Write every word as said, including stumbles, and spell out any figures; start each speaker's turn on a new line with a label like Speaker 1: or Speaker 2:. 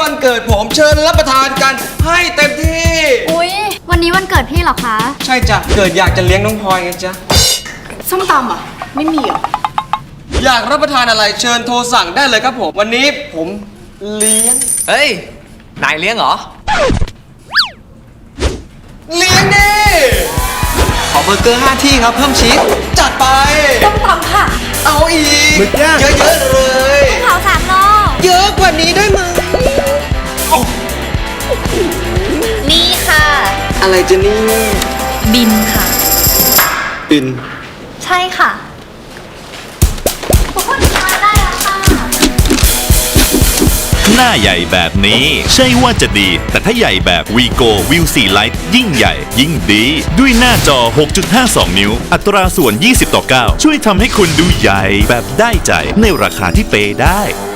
Speaker 1: วันเกิดผมเชิญรับประทานกันให้เต็มที่
Speaker 2: อุ๊ย วันนี้วันเกิดพี่เหรอคะ
Speaker 1: ใช่จ้ะเกิดอยากจะเลี้ยงน้องพลอยไงจ๊ะ
Speaker 3: ส้มตำอ่ะ ไม่มีเหรอ
Speaker 1: อยากรับประทานอะไรเชิญโทรสั่งได้เลยครับผม วันนี้ผมเลี้ยง
Speaker 4: เฮ้ย นายเลี้ยงเหรอ
Speaker 1: เลี้ยงดิ
Speaker 4: ขอเบอร์เกอร์ห้าที่ครับ เพิ่มชีส
Speaker 1: จัดไป
Speaker 3: ส้มตำค่ะ
Speaker 1: เอาอีก
Speaker 4: หมึกย่าง
Speaker 1: เยอะๆเลย
Speaker 2: เผาสามโล
Speaker 1: เยอะกว่านี้ได้ไหม
Speaker 2: นี่ค่ะ
Speaker 1: อะไรจะนี่
Speaker 2: บินค่ะ
Speaker 1: ปิน
Speaker 2: ใช่ค่ะทุกคนทานได้แล้วค่ะ
Speaker 5: หน้าใหญ่แบบนี้ใช่ว่าจะดี แต่ถ้าใหญ่แบบ Vigo View โฟร์ Lite ยิ่งใหญ่ยิ่งดี ด้วยหน้าจอ หกจุดห้าสอง นิ้ว อัตราส่วน ยี่สิบต่อเก้า ช่วยทำให้คุณดูใหญ่แบบได้ใจในราคาที่เปย์ได้